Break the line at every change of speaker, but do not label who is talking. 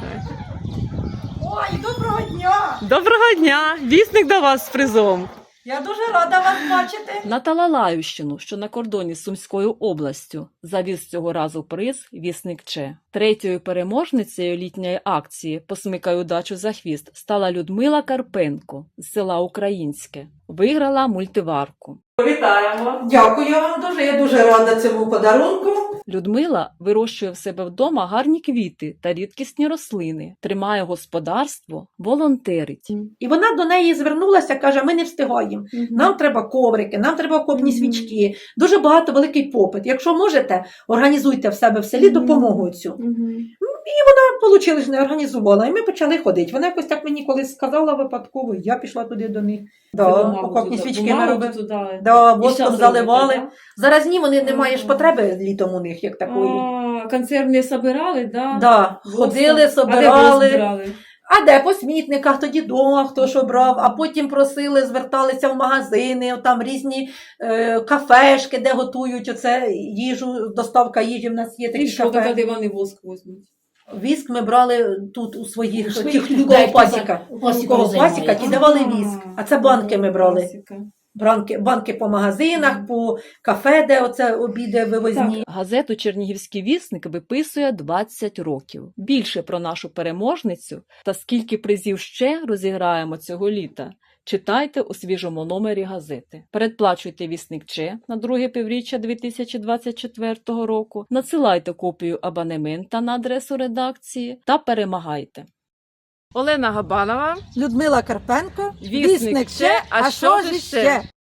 Ой, доброго дня!
Доброго дня! Вісник до вас з призом.
Я дуже рада вас бачити.
На Талалаївщину, що на кордоні з Сумською областю, завіз цього разу приз «Вісник Че». Третьою переможницею літньої акції «Посмикай удачу за хвіст» стала Людмила Карпенко з села Українське. Виграла мультиварку. Вітаємо!
Дякую вам дуже, я дуже рада цьому подарунку.
Людмила вирощує в себе вдома гарні квіти та рідкісні рослини, тримає господарство, волонтерить.
І вона до неї звернулася, каже, ми не встигаємо. Нам треба коврики, нам треба окопні свічки. Дуже багато великий попит. Якщо можете, організуйте в себе в селі допомогу цю. Получили ж, не організувала, і ми почали ходити. Вона якось так мені колись сказала випадково, я пішла туди до них. Окопні свічки ми робили. Воском заливали. Зараз ні, вони не маєш потреби літом у них, як такої.
Консервні собирали, да?
Да, ходили, собирали. А де по смітниках, тоді дома хто що брав, а потім просили, зверталися в магазини, там різні кафешки, де готують оце їжу, доставка їжі в нас є
І
такі
що
кафе.
тоді вони воск возьмуть?
Віск ми брали тут у своїх
своїх
тих,
людей,
кого пасіка. Кого пасіка,
займається.
ті давали віск. А це банки ми брали.
Класика.
Банки по магазинах, по кафе, де оце обіди вивозні.
Газету «Чернігівський вісник» виписує 20 років. Більше про нашу переможницю та скільки призів ще розіграємо цього літа читайте у свіжому номері газети. Передплачуйте «Вісник Че» на друге півріччя 2024 року, надсилайте копію абонемента на адресу редакції та перемагайте. Олена Габанова.
Людмила Карпенко,
Вісник Че, а що ж іще?